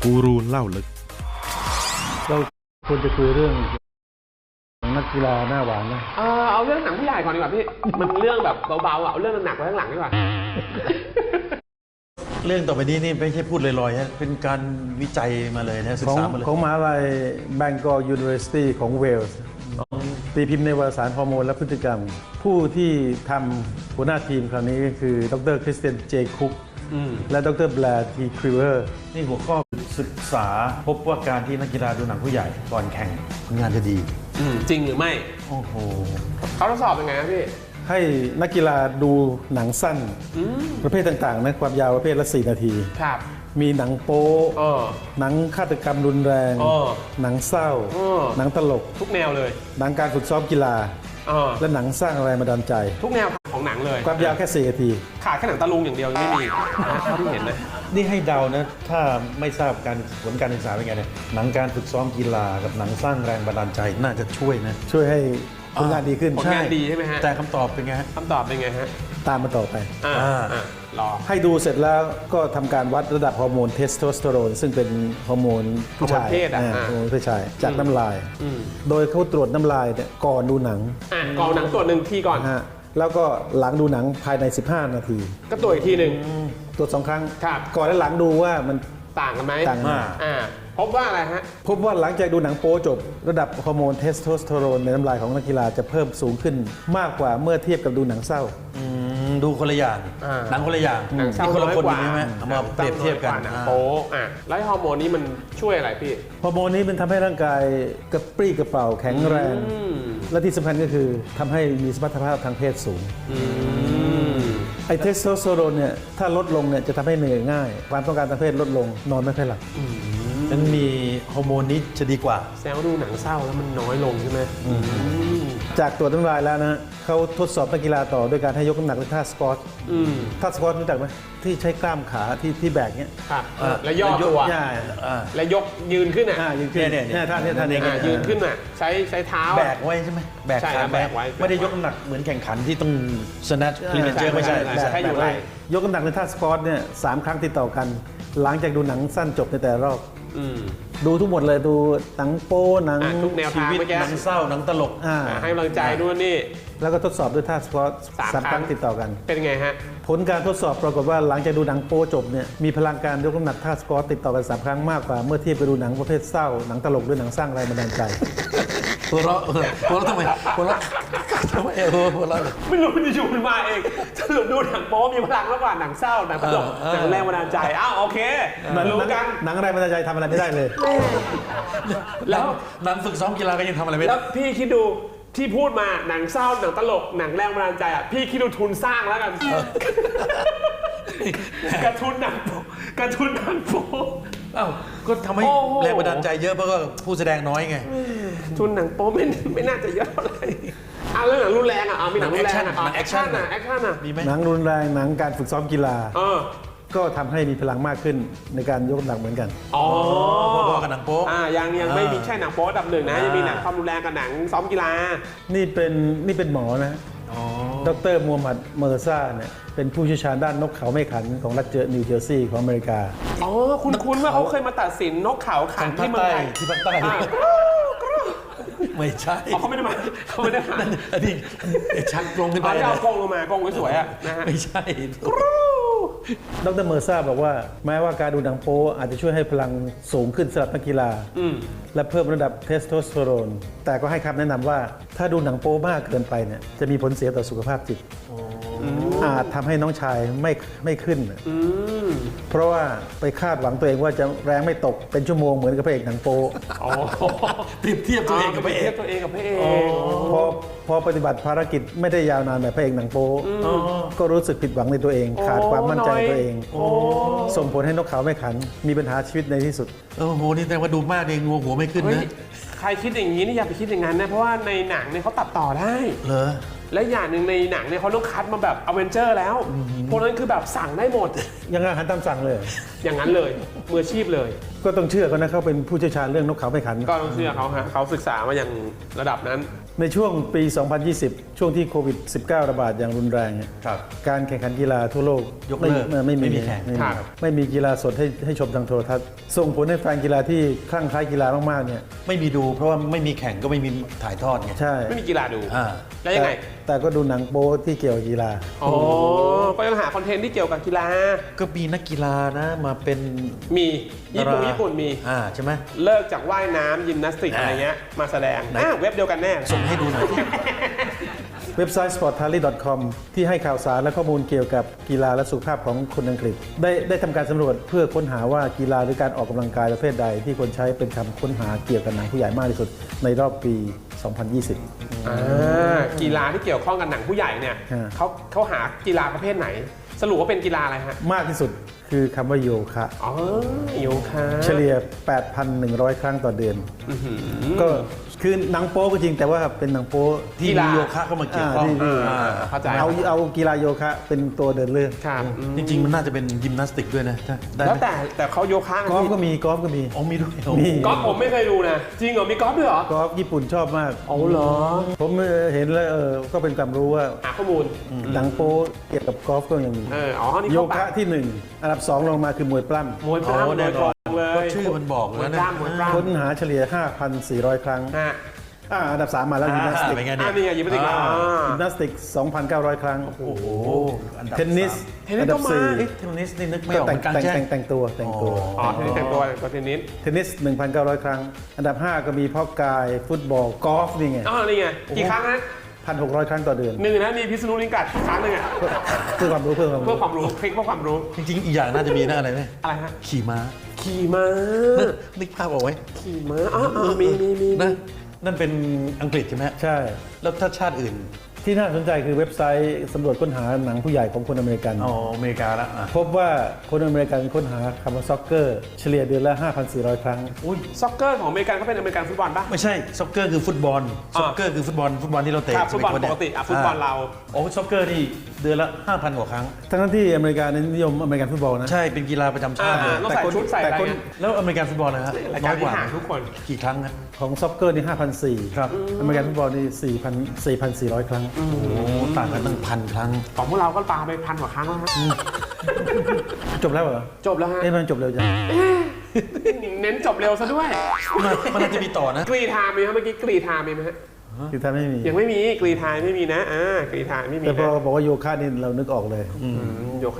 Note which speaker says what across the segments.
Speaker 1: กูรูเล่าลึก
Speaker 2: เราควรจะคุยเรื่องนักกีฬาหน้าหวานนะ
Speaker 3: เอาเรื่องหนังผู้ใหญ่ก่อนดีกว่าพี่ มันเรื่องแบบเบาๆเอาเรื่องหนักไว้ข้างหลังดีกว่า
Speaker 4: เรื่องต่อไปนี้นี่ไม่ใช่พูดลอยๆนะเป็นการวิจัยมาเลยนะศึกษามาเลย
Speaker 2: ของมหาลัย Bangor University ของเวลส์ตีพิมพ์ในวารสารฮอร์โมนและพฤติกรรม ผู้ที่ทำหัวหน้าทีมคราวนี้ก็คือดรคริสเตียนเจคุกและดรแบร์ทีคริเวอร์
Speaker 4: นี่หัวข้อศึกษาพบว่าการที่นักกีฬาดูหนังผู้ใหญ่ก่อนแข่งผลงานจะดี
Speaker 3: จริงหรือไม่
Speaker 4: โอ้โห
Speaker 3: เขาทดสอบยังไงครับพี่
Speaker 2: ให้นักกีฬาดูหนังสั้นประเภทต่างๆนะความยาวประเภทละ4 นาที
Speaker 3: ครับ
Speaker 2: มีหนังโป๊หนังฆาตกรรมรุนแรงหนังเศร้าหนังตลก
Speaker 3: ทุกแนวเลย
Speaker 2: หนังการฝึกซ้อมกีฬาและหนังสร้างแรงบันดาลใจ
Speaker 3: ทุกแนวของหนังเลย
Speaker 2: ความยาวแค่4 นาที
Speaker 3: ขาดแค่หนังตะลุงอย่างเดียวยังไม่มีนะเท่าที่เห็นนะ
Speaker 4: นี่ให้เดานะถ้าไม่ทราบผลการศึกษาเป็นไงเนี่ยหนังการฝึกซ้อมกีฬากับหนังสร้างแรงบันดาลใจน่าจะช่วยนะ
Speaker 2: ช่วยให้ผลงานดีขึ้น
Speaker 3: ผลงานดีใช่ไหมฮะ
Speaker 4: แต่คำตอบเป็นไงฮะ
Speaker 3: คำตอบเป็นไงฮะ
Speaker 2: ตามมาต่อไป
Speaker 3: รอ
Speaker 2: ให้ดูเสร็จแล้วก็ทำการวัดระดับฮอร์โมนเทสโทสเตอโรนซึ่งเป็นฮอร์โมนผู้ชายฮอร์โมนผู้ชายจากน้ำลายโดยเขาตรวจน้ำลายเนี่ยก่อนดูหนัง
Speaker 3: ก่อนหนังตรวจ1 ทีก่อน
Speaker 2: แล้วก็หลังดูหนังภายใน15 นาที
Speaker 3: ก็ตรวจอีกทีหนึ่ง
Speaker 2: ตรวจ2 ครั้งก่อนและหลังดูว่ามัน
Speaker 3: ต่างกันไหม
Speaker 2: ต่าง
Speaker 3: พบว่าอะไรฮะ
Speaker 2: พบว่าหลังจากดูหนังโป๊จบระดับฮอร์โมนเทสโทสเตอโรนในน้ำลายของนักกีฬาจะเพิ่มสูงขึ้นมากกว่าเมื่อเทียบกับดูหนังเศร้า
Speaker 4: ดูคนละอย่างหนังคนละอย่าง
Speaker 3: นี่
Speaker 4: คนละคนใช่ไหมเอามาเปรียบเทียบกัน
Speaker 3: หนังโป๊แล้วฮอร์โมนนี้มันช่วยอะไรพี่
Speaker 2: ฮอร์โมนนี้มันทำให้ร่างกายกระปรี้กระเป๋าแข็งแรงและที่สำคัญก็คือทำให้มีสมรรถภาพทางเพศสูงไอเทสโทสเตอโรนเนี่ยถ้าลดลงเนี่ยจะทำให้เหนื่อยง่ายความต้องการทางเพศลดลงนอนไม่ค่อยหลับ
Speaker 4: นั้นมีฮอร์โมนนี้จะดีกว่า
Speaker 3: แซวดูหนังเศร้าแล้วมันน้อยลงใช่ไหม
Speaker 2: จากตรวจน้ำลายแล้วนะเขาทดสอบนักกีฬาต่อด้วยการให้ยกน้ำหนักในท่าสควอตท่าสควอตรู้จักไหมที่ใช้กล้ามขาที่แบกเนี้ย
Speaker 3: แล้วย่อตัวแล้วยกยืนขึ้น
Speaker 2: ยืนขึ้นเนี่ยท่านี้
Speaker 3: ยืนขึ้นใช้เท้า
Speaker 4: แบกไว้ใช่ไหมแบกขาแบกไว้ไม่ได้ยกน้ำหนักเหมือนแข่งขันที่ต้องสแนทคลีนเจอร์ไม่ใช่
Speaker 3: แค่อยู่ไร
Speaker 2: ยกน้ำหนักในท่าสควอตเนี่ย3 ครั้งติดต่อกันหลังจากดูหนังสั้นจบในแต่รอบดูทุกหมดเลยดูหนังโป๊หนัง
Speaker 3: ทุกแนวทางเมื่อกี้
Speaker 4: หนังเศร้าหนังตลก
Speaker 3: ให้กำลังใจด้วยนี่
Speaker 2: แล้วก็ทดสอบด้วยท่าสควอต3 ครั้งติดต่อกัน
Speaker 3: เป็นไงฮะ
Speaker 2: ผลการทดสอบปรากฏว่าหลังจากดูหนังโป๊จบเนี่ยมีพลังการยกน้ำหนักท่าสควอตติดต่อกัน3 ครั้งมากกว่าเมื่อเทียบไปดูหนังประเภทเศร้าหนังตลกด้วยหนังสร้างแรงบันดาลใจ
Speaker 4: หัวเราะทำไมหัวเราะ
Speaker 3: ไม่รู้มันจะอยู่มาเองสรุปดูหนังโป๊มีพลังมากกว่าหนังเศร้าหนังตลกหนังแรงบันดาลใจโอเครู้กัน
Speaker 2: หนังแรงบันดาลใจทำอะไรไม่ได้เลย
Speaker 3: แล้ว
Speaker 4: หนังฝึกซ้อมกีฬาก็ยังทำอะไรไม่ได้
Speaker 3: แล้วพี่คิดดูที่พูดมาหนังเศร้าหนังตลกหนังแรงบันดาลใจพี่คิดดูทุนสร้างแล้วกันกระทุนหนังโป๊
Speaker 4: ก็ทำให้แรงบันดาลใจเยอะเพราะว่าผู้แสดงน้อยไง
Speaker 3: ทุนหนังโป๊ไม่น่าจะเยอะเท่าไหร่เรื่องหนังรุนแรงมีหนังรุนแรงแอคชั่น
Speaker 4: มีไหม
Speaker 2: หนังรุนแรงหนังการฝึกซ้อมกีฬาก็ทำให้มีพลังมากขึ้นในการยกน้ำหนักเหมือนกัน
Speaker 4: พอๆกับหนังโป๊
Speaker 3: ยังไม่มีแค่หนังโป๊อันดับ 1นะยังมีหนังความรุนแรงกับหนังซ้อมกีฬา
Speaker 2: นี่เป็นหมอนะดรมูฮัมหมัดเมอร์ซ่าเนี่ยเป็นผู้เชี่ยวชาญด้านนกเขาไม่ขันของรัฐนิวเจอร์ซีย์ของอเมริกา
Speaker 3: คุณว่าเขาเคยมาตัดสินนกเขาขันที่เมืองไทย
Speaker 4: ที่ภาคใต้ไม่ใช่
Speaker 3: เขาไม่ได้มา
Speaker 4: อันนี้ชักกรงขึ้นไป
Speaker 3: เอากรงลงมากรงสวยๆนะฮะ
Speaker 4: ไม่ใช่
Speaker 2: ดรเมอร์ซ่าบอกว่าแม้ว่าการดูหนังโป๊อาจจะช่วยให้พลังสูงขึ้นสำหรับนักกีฬาและเพิ่มระดับเทสโทสเตอโรนแต่ก็ให้คำแนะนำว่าถ้าดูหนังโป๊มากเกินไปเนี่ยจะมีผลเสียต่อสุขภาพจิตอาจทำให้น้องชายไม่ขึ้นเพราะว่าไปคาดหวังตัวเองว่าจะแรงไม่ตกเป็นชั่วโมงเหมือนกับพระเอกหนังโป๊
Speaker 4: เปรียบเทียบตัวเองกับพระเอก
Speaker 2: พอปฏิบัติภารกิจไม่ได้ยาวนานแบบพระเอกหนังโป๊ก็รู้สึกผิดหวังในตัวเองขาดความมั่นใจในตัวเองส่งผลให้นกเขาไม่ขันมีปัญหาชีวิตในที่สุด
Speaker 4: โอ้โหนี่แต่ว่าดูมากเองงัวหัวไม่ขึ้นนะ
Speaker 3: ใครคิดอย่างนี้นี่อย่าไปคิดอย่างนั้นนะเพราะว่าในหนังเนี่ยเขาตัดต่อได้
Speaker 4: เหรอ
Speaker 3: และอย่างหนึ่งในหนังเนี่ยเขาต้องคัดมาแบบอเวนเจอร์แล้วพวกนั้นคือแบบสั่งได้หมด
Speaker 2: ยังอาหารตามสั่งเลย
Speaker 3: อย่างนั้นเลยมืออาชีพเลย
Speaker 2: ก็ต้องเชื่อเขานะเขาเป็นผู้เชี่ยวชาญเรื่องนกเขาไม่ขัน
Speaker 3: ก็ต้องเชื่อเขาฮะเขาศึกษามาอย่างระดับนั้น
Speaker 2: ในช่วงปี 2020 ช่วงที่โควิด -19 ระบาดอย่างรุนแรงเนี่ย
Speaker 4: ครับ
Speaker 2: การแข่งขันกีฬาทั่วโลก
Speaker 4: ยกเลิก
Speaker 2: ไม่มี
Speaker 4: ไม่มีแข่ง
Speaker 3: ครับ
Speaker 2: ไม่มีกีฬาสดให้ชมทางโทรทัศน์ส่งผลให้แฟนกีฬาที่คลั่งไคล้กีฬามากๆเนี่ย
Speaker 4: ไม่มีดูเพราะว่าไม่มีแข่งก็ไม่มีถ่ายทอดไง
Speaker 2: ใช่
Speaker 3: ไม่มีกีฬาดู
Speaker 4: อ่า
Speaker 3: แล้วยังไง
Speaker 2: แต่ก็ดูหนังโป๊ที่เกี่ยวกับกีฬา
Speaker 3: อ๋อก็ยังหาคอนเทนต์ที่เกี่ยวกับกีฬา
Speaker 4: ก็มีนักกีฬานะมาเป็น
Speaker 3: มีญี่ปุ่น
Speaker 4: ดารา
Speaker 3: ญี่ปุ่นมี
Speaker 4: ใช่ไหม
Speaker 3: เลิกจากว่ายน้ำยิมนาสติกอะไรเงี้ยมาแสดง
Speaker 4: ไหน
Speaker 3: เว็บเดียวกันแน่
Speaker 4: ส่งให้ดูหน่อย
Speaker 2: เว็บไซต์ sporttally.com ที่ให้ข่าวสารและข้อมูลเกี่ยวกับกีฬาและสุขภาพของคนอังกฤษ ได้ทำการสำรวจเพื่อค้นหาว่ากีฬาหรือการออกกำลังกายประเภทใด ที่คนใช้เป็นคำค้นหาเกี่ยวกับหนังผู้ใหญ่มากที่สุดในรอบปี 2020
Speaker 3: กีฬาที่เกี่ยวข้องกับหนังผู้ใหญ่เนี่ย
Speaker 2: ฮะ
Speaker 3: เขาหากีฬาประเภทไหน สรุปว่าเป็นกีฬาอะไรฮะ
Speaker 2: มากที่สุดคือคำว่าโยคะ
Speaker 3: อ๋อโยคะ
Speaker 2: เฉลี่ย 8,100 ครั้งต่อเดือน ก็คือหนังโป๊ก็จริงแต่ว่าเป็นหนังโป๊
Speaker 4: ที่มีโยคะเข้ามาเกี่ยวข้อง
Speaker 3: เข้าใจ
Speaker 2: เอากีฬาโยคะเป็นตัวเดินเรื่อง
Speaker 3: ครับ
Speaker 4: จริงๆ มันน่าจะเป็นยิมนาสติกด้วยนะได้ไหม
Speaker 3: แล้วแต่เขาโยคะ
Speaker 2: กอล์ฟก็มีกอล์ฟก็มี
Speaker 4: อ๋อมีด้วย
Speaker 2: มี
Speaker 3: กอล์ฟผมไม่เคยดูนะ จริงเหรอ มีกอล์ฟด้วยเหรอ
Speaker 2: กอล์ฟญี่ปุ่นชอบมาก
Speaker 3: อ๋อเหรอ
Speaker 2: ผมเห็นแล้วก็เป็นความรู้ว่า
Speaker 3: หาข้อมูล
Speaker 2: หนังโป๊เกี่ยวกับกอล์ฟก็ยังมี
Speaker 3: อ๋อ นี่
Speaker 2: โย
Speaker 3: เข้าปา
Speaker 2: คะ
Speaker 3: ก
Speaker 2: ที่ 1 อันดับ 2 ลงมาคือมวยปล้
Speaker 3: มวยปล้ำมวยตรงเล
Speaker 4: ก็
Speaker 3: ย
Speaker 4: ชื่อมันบอก
Speaker 3: มวย
Speaker 4: แล้ว
Speaker 3: ป
Speaker 4: นะ
Speaker 3: ล้ำมวยป
Speaker 2: ำ
Speaker 3: ล้ำ
Speaker 2: ค้นหาเฉลี่ย 5,400 ครั้ง
Speaker 3: ฮะ
Speaker 2: อันดับ 3 มาแล้วยิมนาสติก
Speaker 4: เป็นไง
Speaker 3: นี่ไงยิมนาสติกอ่า
Speaker 2: ยิมนาสติก 2,900 ครั้ง
Speaker 4: โอ้โหอันดับ
Speaker 2: เทนนิส
Speaker 3: เทนนิส
Speaker 2: อันดั
Speaker 3: ก็มา
Speaker 2: 4
Speaker 4: เอ๊ะเทนนิสนี่นึกไม่
Speaker 2: ก็
Speaker 4: ออกเหมือนกันใช่ไหม
Speaker 2: แต่งตัว
Speaker 3: อ๋อเทนนิสแต่งตัวเทนนิส
Speaker 2: เทนนิส 1,900 ครั้ง อันดับ 5 ก็มีเพาะกาย ฟุตบอล กอล์ฟนี่ไง
Speaker 3: อ๋อ นี่ไง กี่ครั้งนะ
Speaker 2: 1,600 ครั้งต่อเดือน
Speaker 3: หนึ่งนะ มีพิษณุลิงกัดครั้งหนึ่งอ่ะ
Speaker 2: เพื่อความรู้
Speaker 3: เพื่อความรู้คลิกเพื่อความรู้
Speaker 4: จริงๆ อีกอย่างน่าจะมีนะอะไรไหม
Speaker 3: อะไรฮะ
Speaker 4: ขี่ม้า
Speaker 3: ขี่ม้า
Speaker 4: นึกภาพออกไหม
Speaker 3: ขี่ม้าอ๋อมี
Speaker 4: นะนั่นเป็นอังกฤษใช่ไหม
Speaker 2: ใช่
Speaker 4: แล้วถ้าชาติอื่น
Speaker 2: ที่น่าสนใจคือเว็บไซต์สำรวจค้นหาหนังผู้ใหญ่ของคนอเมริกัน
Speaker 4: อ๋ออเมริกาละอ่ะ
Speaker 2: พบว่าคนอเมริกันค้นหาคำว่าซ็อกเกอร์เฉลี่ยเดือนละ 5,400 ครั้ง
Speaker 4: อุ้ย
Speaker 3: ซ็อกเกอร์ของอเมริกันเขาเป็นอเมริกันฟุตบอลปะ
Speaker 4: ไม่ใช่ซ็อกเกอร์คือฟุตบอลซ็อกเกอร์คือฟุตบอลที่เราเตะ
Speaker 3: ครับฟุตบอล
Speaker 4: สมัย
Speaker 3: ปกติฟุตบอลเรา
Speaker 4: โอ้ซ็อกเกอร์นี่เดือนละ 5,000 กว่าครั้ง
Speaker 2: ทั้งที่อเมริกานั้นนิยมอเมริกันฟุตบอลนะ
Speaker 4: ใช่เป็นกีฬาประจำชาติเลย
Speaker 3: ต้องใส่ชุดใส่อะไร
Speaker 2: แต่คน
Speaker 3: เงี้ย
Speaker 4: แล้วอเมริกันฟุตบอลนะฮะ
Speaker 3: ราย
Speaker 4: น้
Speaker 3: กา
Speaker 4: อ
Speaker 3: ร
Speaker 4: ยก
Speaker 3: ที่
Speaker 4: ว่า
Speaker 3: ห่างทุกคน
Speaker 4: กี่ครั้งนะ
Speaker 2: ของซ็อกเกอร์นี่ 5,400
Speaker 4: ครับ
Speaker 2: อเมริกันฟุตบอลนี่4,400 ครั้ง
Speaker 4: โอ้โหต่างกันตั้ง1,000 ครั้ง
Speaker 3: ของพวกเราก็ปาไป1,000 กว่าครั้งแล้วฮะ
Speaker 2: จบแล้วเหรอ
Speaker 3: จบแล้วฮะ
Speaker 2: มันจบเร็วจัง
Speaker 3: เน้นจบเร็วซะด้วย
Speaker 4: มันน่าจะมีต่อนะ
Speaker 3: กรีธามีไหมเมื่อกี้กรีธามีไหมฮะ
Speaker 2: คือถ้าไม่มี
Speaker 3: ยังไม่มีกรีธาไม่มีนะกรีธาไม่มี
Speaker 2: แต่พอ
Speaker 3: นะ
Speaker 2: บอกว่าโยคะนี่เรานึกออกเลย
Speaker 3: โยคะ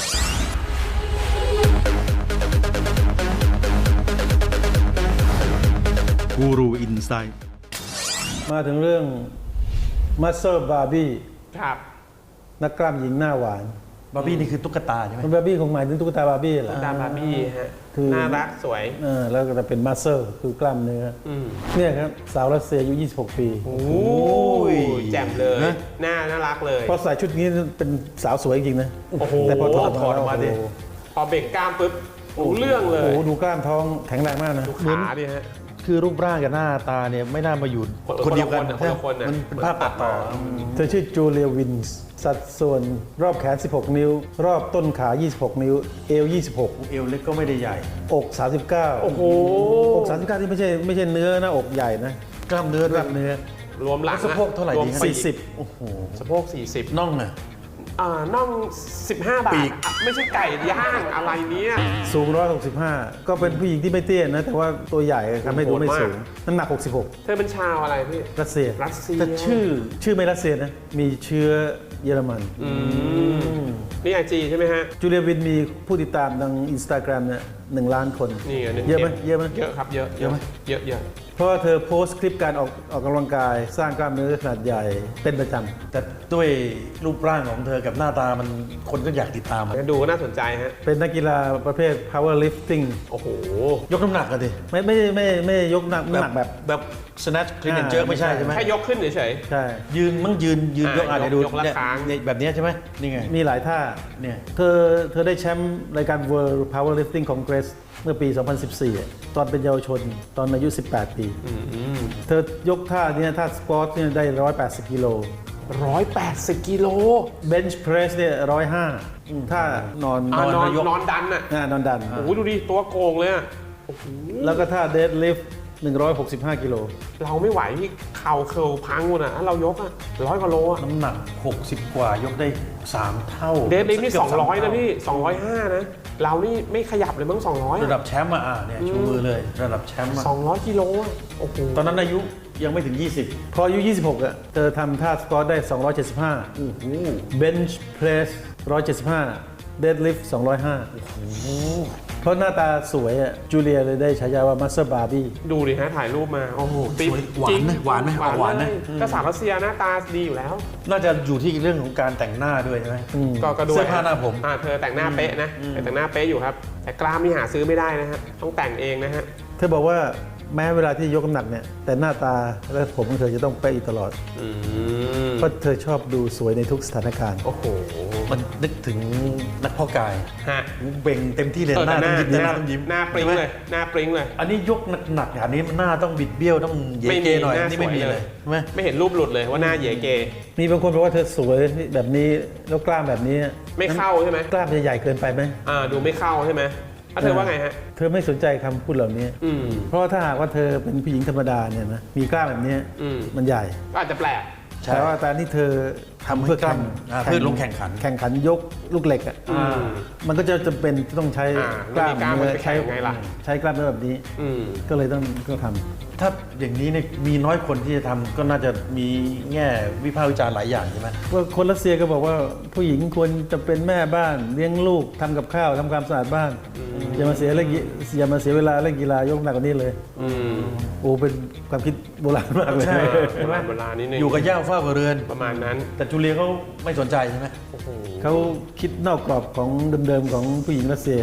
Speaker 4: กูรูอินไซด์
Speaker 2: มาถึงเรื่อง Muscle Barbie
Speaker 3: ครับ
Speaker 2: นักกล้ามหญิงหน้าหวาน
Speaker 4: บาร์บี้นี่คือตุ๊กตาใช่ไหม
Speaker 2: บาร์บี้คงหมายถึงตุ๊กตาบาร์บี้แหละ
Speaker 3: ดาบาร์บี้ฮะ
Speaker 2: คือ
Speaker 3: น่ารักสวย
Speaker 2: แล้วก็จะเป็น Muscle คือกล้ามเนื้ออเนี่ยครับ สาวรัสเซียอายุ 26 ปี
Speaker 3: โอ้ยแจ่มเลยน่ารักเลย
Speaker 2: พอใส่ชุดนี้เป็นสาวสวยจริงๆนะ
Speaker 3: โอ้โห
Speaker 2: แต่พอถอด
Speaker 4: ถอดออกมาดิ
Speaker 2: โโห
Speaker 3: พอเบ่งกล้ามปุ๊บรู้เรื่องเล
Speaker 2: โอ้
Speaker 3: ย
Speaker 2: โหดูกล้ามท้องแข็งแรงมากนะ
Speaker 3: ขาดิฮะ
Speaker 4: คือรูปร่างกับหน้าตาเนี่ยไม่น่ามาอยู่
Speaker 3: คนละ
Speaker 4: เดียวกัน
Speaker 3: คนละคนน่ะ
Speaker 4: มันเป็นภาพตัดต่อ
Speaker 2: เธอชื่อจูเลียวินส์สัดส่วนรอบแขน 16 นิ้ว รอบต้นขา 26 นิ้ว เอว 26
Speaker 4: เอวเล็กก็ไม่ได้ใหญ่
Speaker 2: อก 39
Speaker 3: โอ้โห
Speaker 2: อก 39 ที่ไม่ใช่เนื้อหน้าอกใหญ่นะ
Speaker 4: กล้ามเนื้อก
Speaker 2: ล้ามเนื้อ
Speaker 3: รวมหลัง
Speaker 4: สะโพกเท่าไหร่
Speaker 3: วม
Speaker 4: ดีฮะ
Speaker 3: ปีก
Speaker 2: 40
Speaker 4: โอ้โห
Speaker 3: สะโพก40
Speaker 4: น่องอ่ะ
Speaker 3: น่อง15 บา
Speaker 4: ปี
Speaker 3: ท
Speaker 4: ก
Speaker 3: ไม่ใช่ไก่ย่างอะไรเนี้ย
Speaker 2: สูง 165 ก็เป็นผู้หญิงที่ไม่เตี้ยนะ แต่ว่าตัวใหญ่ทำให้ดูไม่สูง น้ำหนัก 66
Speaker 3: เธอเป็นชาวอะไรพี่
Speaker 2: รัสเซีย
Speaker 3: รัสเซีย
Speaker 2: แต่ชื่อไม่รัสเซียนะ มีเชื้อเยอรมัน
Speaker 3: นี่ไอจีใช่ไหมฮะ
Speaker 2: จูเลียวินมีผู้ติดตามทางอินสตาแกรมเนี่ย1 ล้านคน
Speaker 3: นี่ไง
Speaker 2: เยอะไหม
Speaker 3: เยอะครับเยอะ
Speaker 2: เยอะไหม
Speaker 3: เยอะ
Speaker 2: เพราะว่าเธอโพสต์คลิปการออกกำลังกาย สร้างกล้ามเนื้อขนาดใหญ่เป็นประจำ
Speaker 4: แต่ด้วยรูปร่างของเธอกับหน้าตามันคนก็อยากติดตามอะ
Speaker 3: ดูก็น่าสนใจฮะ
Speaker 2: เป็นนักกีฬาประเภท power lifting
Speaker 3: โอ้โห
Speaker 4: ยกน้ำหนักกันดิ
Speaker 2: ไม่ยกน้ำหนักแบบ
Speaker 4: แบบ snatch clean and jerk ไม่ใช่ใช่ไหม
Speaker 3: แค่ยกขึ้นเฉย
Speaker 2: ใช่
Speaker 4: ยืนยกอ่ะเดี๋ยวดู
Speaker 3: ยกละ
Speaker 4: เนี่ย
Speaker 3: ครั้ง
Speaker 4: เนี่ยแบบเนี้ยใช่ไหมนี่ไง
Speaker 2: มีหลายท่า
Speaker 4: เนี่ย
Speaker 2: เธอได้แชมป์รายการ World Powerlifting Congress เมื่อปี 2014อะตอนเป็นเยาวชนตอนอายุ 18 ปี เธอยกท่าเนี้ท่าสควอตเนี่ยได้ 180 กิโล
Speaker 3: 180 กิโล
Speaker 2: เบนช์เพรสเนี่ย105ถ้านอน
Speaker 3: นอน
Speaker 2: ยก
Speaker 3: นอนดันอ่ะ
Speaker 2: นอนดัน
Speaker 3: โอ้โหดูดิตัวโกงเลยอ่ะโอ้โห
Speaker 2: แล้วก็ถ้าเดดลิฟต์165กิโล
Speaker 3: เราไม่ไหวพี่เข่าเคิลพังหมดอ่ะถ้าเรายกอ่ะ100 กว่าโลอ่ะ
Speaker 4: น้ำหนัก 60 กว่ายกได้ 3 เท่า
Speaker 3: เดดลิฟต์นี่
Speaker 4: กืบสาม
Speaker 3: 200 นะ
Speaker 4: เท่า
Speaker 3: พี่ 205 นะ เรานี่ไม่ขยับเลยมั้ง200
Speaker 4: ระดับแชมป์เนี่ยชูมือเลย ระดับแชมป์
Speaker 3: 200 กิโลอ่ะโอ้โห
Speaker 4: ตอนนั้นอายุยังไม่ถึง 20
Speaker 2: พออายุ26เธอทำท่าสควอตได้ 275เบนช์เพรส175เดดลิฟต์205เพราะหน้าตาสวยจูเลียเลยได้ฉายาว่ามัสเตอร์บาร์บี้
Speaker 3: ดูดิฮะถ่ายรูปมาโอ้โหปิ๊บ
Speaker 4: สวยหวาน
Speaker 3: จริง
Speaker 4: นะหวานไหมออกหวานนะ
Speaker 3: เลยก็สาวรัสเซียหน้าตาดีอยู่แล้ว
Speaker 4: น่าจะอยู่ที่เรื่องของการแต่งหน้าด้วยใช่ไหม
Speaker 3: ก็ด้วย
Speaker 4: เสื้อผ้าหน้าผม
Speaker 3: เธอแต่งหน้าเป๊ะนะแต่งหน้าเป๊ะอยู่ครับ แต่กล้ามนี่หาซื้อไม่ได้นะฮะต้องแต่งเองนะฮะ
Speaker 2: เธอบอกว่าแม้เวลาที่ยกน้ำหนักเนี่ยแต่หน้าตาและผมของเธอจะต้องเป๊ะอยู่ตลอด เพราะเธอชอบดูสวยในทุกสถานการณ์
Speaker 3: โอ้โห
Speaker 4: มันนึกถึงนักเพาะกาย
Speaker 3: ฮะ
Speaker 4: เบ่งเต็มที่เลย
Speaker 3: เออ
Speaker 4: หน้า
Speaker 3: แต่
Speaker 4: ต้องยิ้มหน้าต้องยิ้ม
Speaker 3: หน้าปริ้ง
Speaker 4: ใช่ไหม
Speaker 3: เลยหน้าปริ้งเลย
Speaker 4: อันนี้ยกหนักๆอย่างนี้หน้าต้องบิดเบี้ยวต้องเยเกหน่อยอันนี่ไม่มีเลยใช่ไหม
Speaker 3: ไม่เห็นรูปหลุดเลยว่าหน้าเหยเก
Speaker 2: มีบางคนบอกว่าเธอสวยแบบนี้แล้วกล้ามแบบนี้
Speaker 3: ไม่เข้าใช่ไหม
Speaker 2: กล้ามจะใหญ่เกินไปไหม
Speaker 3: ดูไม่เข้าใช่ไหมแล้วเธอว่าไงฮะ
Speaker 2: เธอไม่สนใจคำพูดเหล่านี้ เพราะว่าถ้าหากว่าเธอเป็นผู้หญิงธรรมดาเนี่ยนะมีกล้ามแบบนี้ มันใหญ่
Speaker 3: ก็อาจจะแปลก
Speaker 4: ใช่
Speaker 2: แต่ว่าการที่เธอทำเพื่อ
Speaker 4: ทำให้กล้ามเพื่อลงแข่งขัน
Speaker 2: แข่งขันยกลูกเหล็กอ่ะมันก็จะจำเป็นต้องใช้กล้าม
Speaker 3: ไม่มีกล้ามมันจะแข่
Speaker 2: ใช้
Speaker 3: งยังไงล่ะ
Speaker 2: ใช้กล้ามเนื้อแบบนี้ ก็เลยต้องทำ
Speaker 4: ถ้าอย่างนี้เนี่ยมีน้อยคนที่จะทำก็น่าจะมีแง่วิพากษ์วิจารณ์หลายอย่างใช่ไหม
Speaker 2: ว่าคนรัสเซียก็บอกว่าผู้หญิงควรจะเป็นแม่บ้านเลี้ยงลูกทำกับข้าวทำความสะอาดบ้านอย่ามาเสียเวลาเล่นกีฬายกหนักกว่านี้เลยโอ้เป็นความคิดโบราณมากเลย
Speaker 4: ใช่
Speaker 3: เวลานิดนึง
Speaker 4: อยู่กับย่าเฝ้ากับเรือน
Speaker 3: ประมาณนั้น
Speaker 4: แต่จูเลียเขาไม่สนใจใช่ไหม
Speaker 2: เขาคิดนอกกรอบของเดิมๆของผู้หญิงรัสเซีย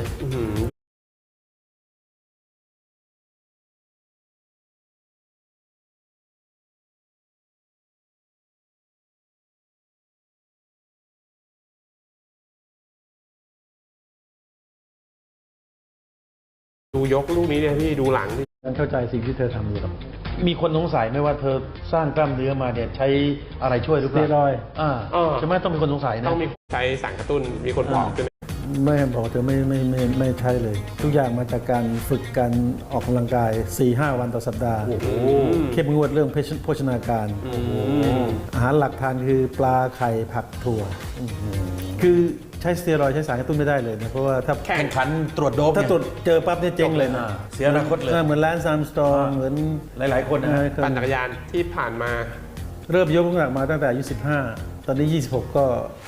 Speaker 3: ดูยกลูกนี้เนี่ยพี่ดูหลังดิ
Speaker 2: ฉันเข้าใจสิ่งที่เธอทำอยู่หรอก
Speaker 4: มีคนสงสัยไหมว่าเธอสร้างกล้ามเนื้อมาเนี่ยใช้อะไรช่วยหรือเป
Speaker 2: สเตี
Speaker 4: ล่าย
Speaker 2: รอยด์
Speaker 4: ใช่ไหมต้องมีคนสงสัยนะ
Speaker 3: ต้องมีใช้สารกระตุ้นมีคนบอกใช่ไหม
Speaker 2: ไม่บอกเธอไม่ใช่เลย ทุกอย่างมาจากการฝึกการออกกำลังกาย 4-5 วันต่อสัปดาห์ เข้มงวดเรื่องโภชนาการ อาหารหลักทานคือปลาไข่ผักถั่ว คือใช้สเตียรอยด์ใช้สารกระตุ้นไม่ได้เลยนะ เพราะว่าถ้า
Speaker 3: แข่
Speaker 4: แข่
Speaker 3: ง
Speaker 4: งขันตรวจโดป
Speaker 2: ถ้า
Speaker 4: เนี่ย
Speaker 2: ตรวจเจอปั๊บเนี่ยเจ๊งเลยนะ
Speaker 4: เสียอนาคตเลย
Speaker 2: เหมือนแลนซ์อาร์มสตรองเหมือน
Speaker 4: หลายๆคนนะ
Speaker 3: ปั่นจักรยานที่ผ่านมา
Speaker 2: เริ่มยกน้ำหนักมาตั้งแต่อายุ15 ตอนนี้ 26 ก็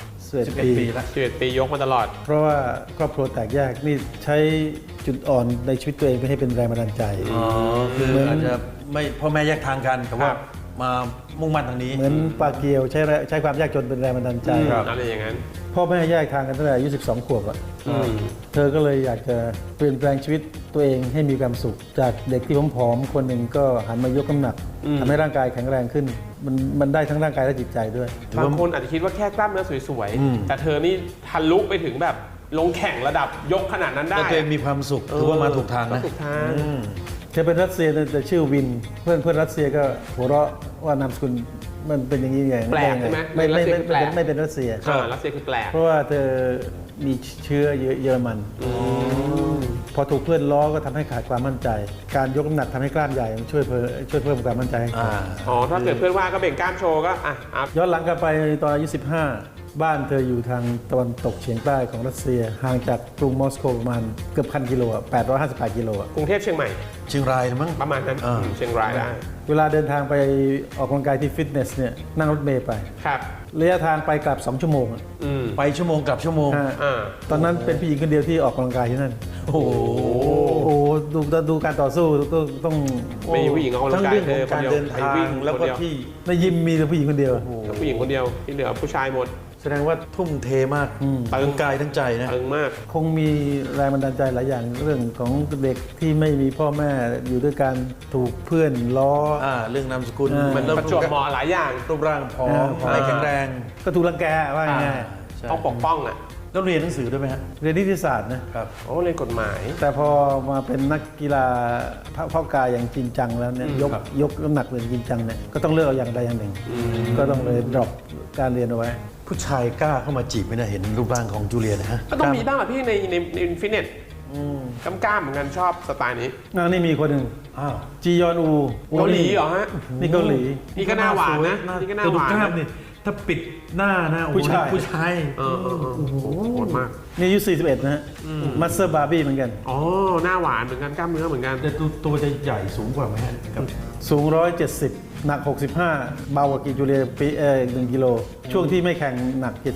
Speaker 2: 11 ปี
Speaker 4: ปีแล้ว
Speaker 3: 11 ปียกมาตลอด
Speaker 2: เพราะว่าครอบครัวแตกแยกนี่ใช้จุดอ่อนในชีวิตตัวเองไปให้เป็นแรงบันดาลใจ
Speaker 4: คืออาจจะไม่พ่อแม่แยกทางกันแต่ว่า
Speaker 3: ครับ
Speaker 4: มามุ่งมั่นทางนี้
Speaker 2: เหมือนปลาเกียวใช้ความยากจนเป็นแรงบันดาลใจ
Speaker 3: อะไรอย่างนั้น
Speaker 2: พ่อแม่แยกทางกันตั้งแต่อายุ 12 ขวบอะเธอก็เลยอยากจะเปลี่ยนแปลงชีวิตตัวเองให้มีความสุข จากเด็กที่ผอมๆคนหนึ่งก็หันมายกน้ำหนักทำให้ร่างกายแข็งแรงขึ้น มันได้ทั้งร่างกายและจิตใจด้วย
Speaker 3: บางคนอาจจะคิดว่าแค่กล้ามเนื้อสวยๆ แต่เธอนี่ทะลุไปถึงแบบลงแข่งระดับยกขนาดนั้นได้
Speaker 4: แล้วตัวเองมีความสุขถือว่ามาถูกทาง
Speaker 3: ก็
Speaker 4: นะ
Speaker 3: ถูกทาง
Speaker 2: เธอเป็นรัสเซียแต่ชื่อวิน เพื่อนรัสเซียก็หัวเราะว่านามสกุลมันเป็นอย่างนี้ไง
Speaker 3: แปลกใช่ไหม
Speaker 2: ไม่ไม่
Speaker 3: รัสเซียคือแปลก
Speaker 2: ไม่เป็นรัสเซีย
Speaker 3: รัสเซียคือแปลก
Speaker 2: เพราะว่าเธอมีเชื้อเยอรมัน พอถูกเพื่อนล้อก็ทำให้ขาดความมั่นใจ การยกน้ำหนักทำให้กล้ามใหญ่มันช่วยเพิ่มความมั่นใจให้เขา
Speaker 3: ถ้าเกิดเพื่อนว่าก็เบ่งกล้ามโชว์ก็อัพ
Speaker 2: ย้อนหลังกลับไปตอนอายุ 15 บ้านเธออยู่ทางตะวันตกเฉียงใต้ของรัสเซีย ห่างจากกรุงมอสโกประมาณเกือบ1,000 กิโลอะ858 กิโลอะ
Speaker 3: กรุงเทพเชียงใหม่
Speaker 4: เชียงรายนะมั้ง
Speaker 3: ประมาณนั้นเชียงรายได้
Speaker 2: เวลาเดินทางไปออกกำลังกายที่ฟิตเนสเนี่ยนั่งรถเมล์ไป
Speaker 3: ครับ
Speaker 2: ระยะทางไปกลับ 2 ชั่วโมงอะ
Speaker 4: ไปชั่วโมงกลับชั่วโมง
Speaker 2: ฮะ
Speaker 3: อ่า
Speaker 2: ตอนนั้นเป็นผู้หญิงคนเดียวที่ออกกำลังกายที่นั่น
Speaker 4: โอ้โห
Speaker 2: โอ้ดูการต่อสู้ต้อง
Speaker 3: ไม่มีผู้หญิงออกกำลั
Speaker 4: ทั้
Speaker 3: ง
Speaker 4: ง
Speaker 3: กาย
Speaker 4: เรื่องของการเดินทางแล้วก็ที่
Speaker 2: ในยิมมีแต่ผู้หญิงคนเดียว
Speaker 3: ผู้หญิงคนเดียวที่เหลือผู้ชายหมด
Speaker 4: แสดงว่าทุ่มเทมาก
Speaker 3: ตึง
Speaker 4: ทั้งกายทั้งใจนะ
Speaker 3: ตึงมาก
Speaker 2: คงมีแรงบันดาลใจหลายอย่างเรื่องของเด็กที่ไม่มีพ่อแม่อยู่ด้วยการถูกเพื่อนล้อ
Speaker 4: เรื่องนามสกุล
Speaker 3: มันประจวบเหมาะหลายอย่าง
Speaker 4: รูปร่างผอม
Speaker 2: ผอม
Speaker 4: ไม่แข็งแรง
Speaker 2: ก็ถูกรังแกว่าง่าย
Speaker 4: ใช่
Speaker 3: ต้องปกป้องอ่ะ
Speaker 4: แล้วเรียนหนังสือด้วยไหมฮะ
Speaker 2: เรียนนิติศาสตร์นะครับ
Speaker 3: โอ้เรียนกฎหมาย
Speaker 2: แต่พอมาเป็นนักกีฬาเพาะกายอย่างจริงจังแล้วเนี่ยยกน้ำหนักเป็นจริงจังเนี่ยก็ต้องเลือกเอาอย่างใดอย่างหนึ่ง ก็ต้องเลยดรอปการเรียนเอาไว้
Speaker 4: ผู้ชายกล้าเข้ามาจีบไหมนะเห็นรูปร่างของจูเลียนะฮะ
Speaker 3: ก็ต้องมีบ้างอะพี่ในฟิตเนสกล้ามๆเหมือนกันชอบสไตล์นี้
Speaker 2: นี่มีคนหนึ่ง
Speaker 4: อ้าว
Speaker 2: จียอนอู
Speaker 3: เกาหลีเหรอฮะ
Speaker 2: นี่เกาหลี
Speaker 3: นี่ก็หน้าหวานนะนี่ก็หน้าหวาน
Speaker 4: แต่ดูกล้าม
Speaker 3: นะ
Speaker 4: นี่ถ้าปิดหน้านะโอ้โห
Speaker 2: ผู้ชาย
Speaker 4: ผู้ชาย
Speaker 3: โอ้โหโหดมาก
Speaker 2: นี่อายุ41นะฮะมัสเตอร์บาร์บี้เหมือนกัน
Speaker 3: อ๋อหน้าหวานเหมือนกันกล้ามเนื้อเหมือนกัน
Speaker 4: แต่ตัวจะใหญ่สูงกว่าไหมฮะกับ
Speaker 2: สูง 170 หนัก 65 เบากว่ากีจูเลียปี1กิโล ช่วงที่ไม่แข่งหนัก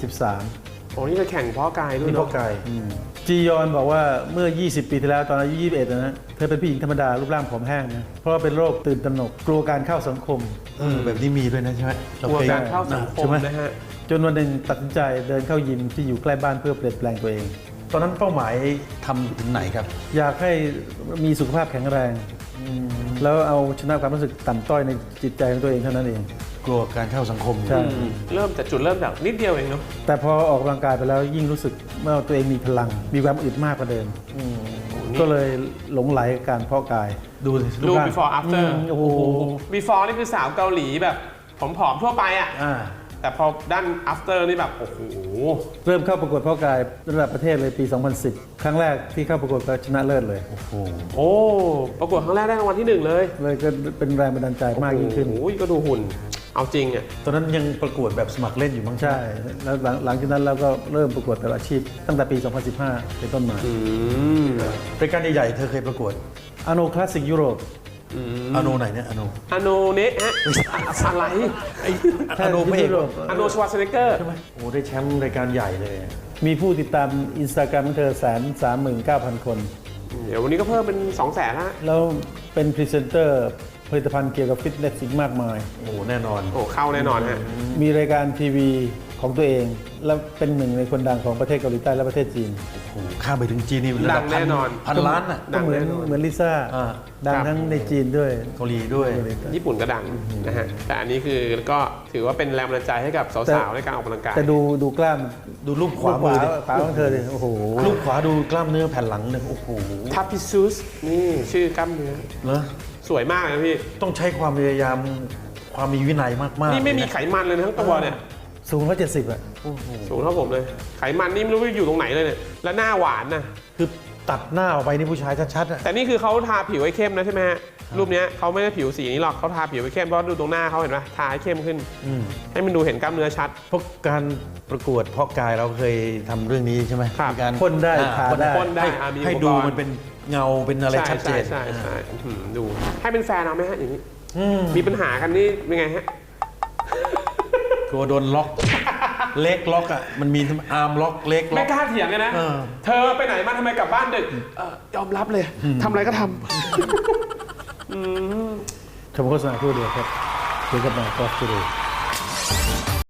Speaker 2: 73
Speaker 3: โอ้นี่ไปแข่งเพาะกายด้วย
Speaker 4: นี่
Speaker 3: เน
Speaker 4: พ่อ
Speaker 3: อะ
Speaker 4: กาย
Speaker 2: จียอนบอกว่าเมื่อ 20 ปีที่แล้วตอนอายุ 21 นะฮะเธอเป็นผู้หญิงธรรมดารูปร่างผอมแห้งนะเพราะว่าเป็นโรคตื่นตระหนกกลัวการเข้าสังคม
Speaker 4: แบบนี้มีด้วยนะใช่ไหม
Speaker 3: กลัวการเข้าสังคม
Speaker 4: ใช่ไหม
Speaker 3: นะฮะ
Speaker 2: จนวันหนึ่งตัดสินใจเดินเข้ายิมที่อยู่ใกล้บ้านเพื่อเปลี่ยนแปลงตัวเอง
Speaker 4: ตอนนั้นเป้าหมายทำถึงไหนครับ
Speaker 2: อยากให้มีสุขภาพแข็งแรง แล้วเอาชนะความรู้สึกต่ำต้อยในจิตใจของตัวเองเท่านั้นเอง
Speaker 4: กลัวการเข้าสังคม
Speaker 2: ใช่
Speaker 3: เริ่มจากจุดเริ่มจากนิดเดียวเองเนาะ
Speaker 2: แต่พอออกกำลังกายไปแล้วยิ่งรู้สึกว่าตัวเองมีพลัง มีความอึดมากกว่าเดิมก็เลยหลงไหลกับการเพาะกาย
Speaker 4: ดูสิ
Speaker 3: ดู
Speaker 4: รูปร่าง
Speaker 3: before after
Speaker 2: โอ้โห
Speaker 3: before นี่คือสาวเกาหลีแบบผอมๆทั่วไปอะ
Speaker 4: อ่า
Speaker 3: แต่พอด้าน after นี่แบบโอ้โห
Speaker 2: เริ่มเข้าประกวดเพาะกายระดับประเทศเลยปี 2010 ครั้งแรกที่เข้าประกวดก็ชนะเลิศเลย
Speaker 4: โอ้โห
Speaker 3: โอ้ประกวดครั้งแรกได้รางวัลที่หนึ่งเลย
Speaker 2: เลยก็เป็นแรงบันดาลใจมากยิ่งขึ้น
Speaker 3: โอ้ยก็ดูหุ่นเอาจริงอ่ะ
Speaker 4: ตอนนั้นยังประกวดแบบสมัครเล่นอยู่มั้ง
Speaker 2: ใช่ แล้วหลังจากนั้นเราก็เริ่มประกวดแบบอาชีพ ตั้งแต่ปี 2015 เป็นต้นมา
Speaker 4: รายการใหญ่ๆเธอเคยประกวด
Speaker 2: อโนคลาสสิกยุโรป
Speaker 4: อโนไหนเนี่ยอโน
Speaker 3: อโนเนะฮะอะไร
Speaker 4: อโนพระเอก
Speaker 2: ยุโรป
Speaker 3: อโนชวาสเนกเกอร์
Speaker 4: ใช่ไหมโอ้ได้แชมป์รายการใหญ่เลย
Speaker 2: มีผู้ติดตามอินสตาแกรมของเธอ 139,000 คน
Speaker 3: เดี๋ยววันนี้ก็เพิ่มเป็น 200,000ละ
Speaker 2: แล้วเป็นพรีเซนเตอร์ผลิตภัณฑ์เกี่ยวกับฟิตเนสอีกมากมาย
Speaker 4: โอ้แน่นอน
Speaker 3: โอ้เข้าแน่นอนฮะ
Speaker 2: มีรายการทีวีของตัวเอง และเป็นหนึ่งในคนดังของประเทศเกาหลีใต้และประเทศจีน
Speaker 4: โอ้โหข้ามไปถึงจีนนี่ระ
Speaker 3: ดั
Speaker 4: ดับ
Speaker 3: งแน่นอน
Speaker 4: พันล้านอ่ะ
Speaker 2: ก็เหมือน
Speaker 3: ดังแน่นอน
Speaker 2: เหมือนลิซ่า
Speaker 4: อ่า
Speaker 2: ดัง
Speaker 3: ครับ
Speaker 2: ทั้งในจีนด้วย
Speaker 4: เกาหลีด้วย
Speaker 3: ญี่ปุ่นก็ดังนะฮะ แต่อันนี้คือก็ถือว่าเป็นแรงบันดาลใจให้กับสาวๆในการออกกำลังกาย
Speaker 2: แต่ดูกล้าม
Speaker 4: ดูรูปขวามือดิ
Speaker 2: ขวาของเธอดิโอ้โห
Speaker 4: รูปขวาดูกล้ามเนื้อแผ่นหลังเนี่ยโอ้โห
Speaker 3: ทัพพิซูสนี่ชื่อกล้ามเนื้อ
Speaker 4: เหรอ
Speaker 3: สวยมากเลยนะพี่
Speaker 4: ต้องใช้ความพยายามความมีวินัยมากๆ
Speaker 3: นี่ไม่มี
Speaker 4: เลยะ
Speaker 3: ไขมันเลยนะทั้งตัวเนี่ย
Speaker 2: สูง170 อ่ะ
Speaker 3: สูงเท่าผมเลย ไขมันนี่ไม่รู้ว่าอยู่ตรงไหนเลยเนี่ย แล้วหน้าหวานนะ
Speaker 4: คือตัดหน้าออกไปนี่ผู้ชายชัดๆอ่ะ
Speaker 3: แต่นี่คือเขาทาผิวให้เข้มนะใช่ไหมฮะ รูปเนี้ยเขาไม่ได้ผิวสีนี้หรอกเขาทาผิวให้เข้มเพราะดูตรงหน้าเขาเห็นไหมทาให้เข้มขึ้น ให้มันดูเห็นกล้ามเนื้อชัด
Speaker 4: เพราะการประกวดเพาะกายเราเคยทำเรื่องนี้ใช่ไหม
Speaker 3: ครับ
Speaker 4: มีการ
Speaker 2: พ่นได้
Speaker 4: อ่
Speaker 2: ทาได้
Speaker 3: พ่นได้มี
Speaker 4: ให้
Speaker 3: อุปกรณ์
Speaker 4: ดูมันเป็นเงาเป็นอะไรชัดเจน
Speaker 3: ใช่ดู ให้เป็นแฟนเอาไหมฮะอย่างนี้มีปัญหากันนี่เป็นไงฮะ
Speaker 4: กลัวโดนล็อก เล็กล็อกอ่ะมันมีอาร์มล็อกเล็กล็
Speaker 3: ไม่
Speaker 4: อก
Speaker 3: กล้าเถียงกันนะ
Speaker 4: เออ
Speaker 3: เธอไปไหนมาทำไมกลับบ้านดึกยอมรับเลยทำอะไรก็ท
Speaker 2: ชมโฆษณาครู่เดียวครับเดี๋ยวกลับมาก็ครู่เดียว